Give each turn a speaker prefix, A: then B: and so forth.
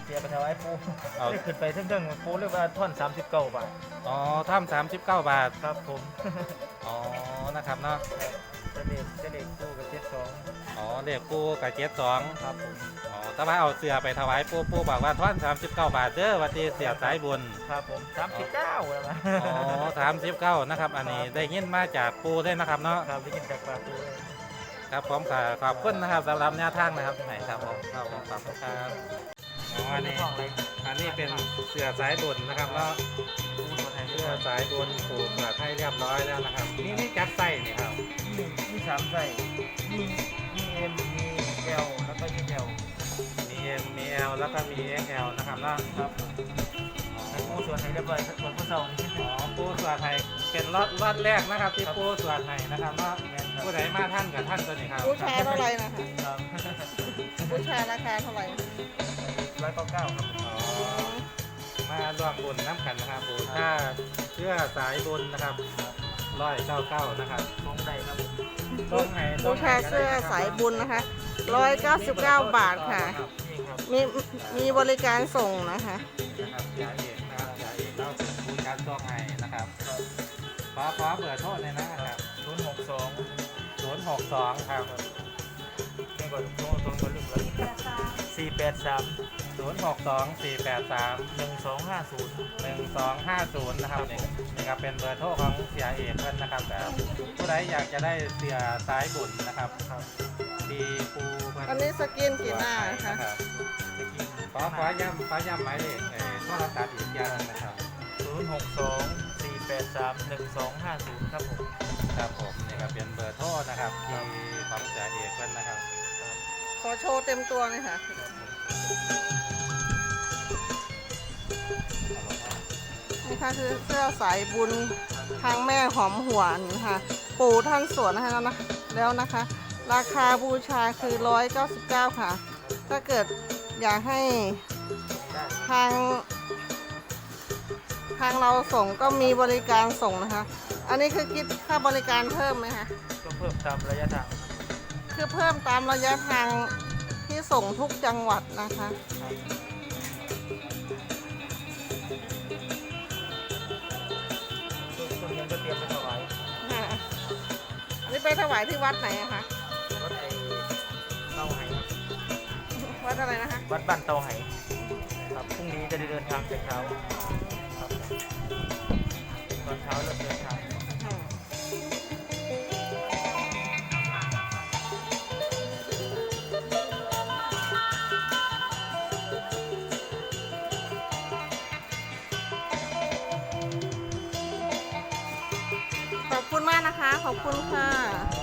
A: เสียไปถวายปูได้ขึ้นไปเท่งๆปูเรียกว่าท่อน39 บาท
B: อ๋อถ้ำ39 บาท
A: ครับผม
B: อ๋อนะครับเนาะ
A: จะเด็กปูกับ72
B: อ๋อเด็กปูกับ72
A: ครับผม
B: อ๋อแต่ว่าเอาเสือไปถวายปูบอกว่าท่อน39 บาทเด้อวันที่เสียสายบุญ
A: ครับผม39แล้วนะ
B: อ๋อ39นะครับอันนี้ได้ยินมาจากปูได้นะครับเนาะ
A: ครับได้ยินจากปากปูเลย
B: ครับผมขอบคุณนะครับสำหรับแนวทางนะครับไหนครับผมขอบคุณครับอ๋ออันนี้เป็นเสือสายบุญนะครับแล้วเสือสายบุญปูเสือให้เรียบร้อยแล้วนะครับนี่จัดไส้นี่ครับ
A: มี3ไส้มีเอ็มมีเอลแล้วก็มีเอล
B: มี M มี L แล้วก็มี XL นะครับแล้ว
A: ครับปูส่วนไทยเรียบร้อยส่วนผู้เฒ่านี่
B: อ๋อปูส่วนไทยเป็นรอดแรกนะครับที่ปูส่วนไทยนะครับว่าผู้ใดมาท่านกับท่านตัวนี้ครับ
C: ผู้ชายเท่าไรนะคะผู้ชายราคาเท่าไหร่
A: 199ครับ
B: อ๋อมาร่วมบุญน้ำกันนะครับปูถ้าเชื่อสายบุญนะครับ199นะครับ
A: ตรงใดครับ
C: ผู้ชายเสื้อสายบุญนะคะ199 บาทค่ะมีบริการส่งนะคะ
B: นะครับยาเอกนะครับยาเอกเราเป็นผู้การตัวไงนะครับขอเบอร์โทษเลยนะครับ062ครับ
A: นี่ก็ตรงก็ลึกแล้ว483
B: 062-483-1250นะครับนี่ครับเป็นเบอร์โทรของเสียเอกเพื่อนนะครับแต่ผู้ใดอยากจะได้เสียสายบุญนะครับดีปู
C: อันนี้สกินกี่หน้าคะ
B: ขอย้ำหมายเลขโทรศัพท์อีกอย่างนะครับ
A: 062-483-1250ครับผม
B: ครับผมนี่ครับเป็นเบอร์โทรนะครับที่ของเสียเอกเพื่อนนะครับ
C: ขอโชว์เต็มตัวเลยค่ะนี่ค่ะคือเสื้อสายบุญทางแม่หอมหวนค่ะปู่ท่านสวนให้แล้วนะคะ ราคาบูชาคือ199ค่ะถ้าเกิดอยากให้ทางเราส่งก็มีบริการส่งนะคะอันนี้คือคิดค่าบริการเพิ่มไหมคะ
A: ก็เพิ่มตามระยะทาง
C: คือเพิ่มตามระยะทางที่ส่งทุกจังหวัดนะคะ
A: ส่วนเงินก็เตรียมไปถวาย
C: อันนี้ไปถวายที่วัดไหนอะคะ
A: วัดเตาไหครับ
C: วัดอะไรนะคะ
A: วัดบ้านเตาไหครับพรุ่งนี้จะได้เดินทางแต่เช้าครับตอนเช้าเริ่มเดินทาง
C: ขอบคุณมากนะคะขอบคุณค่ะ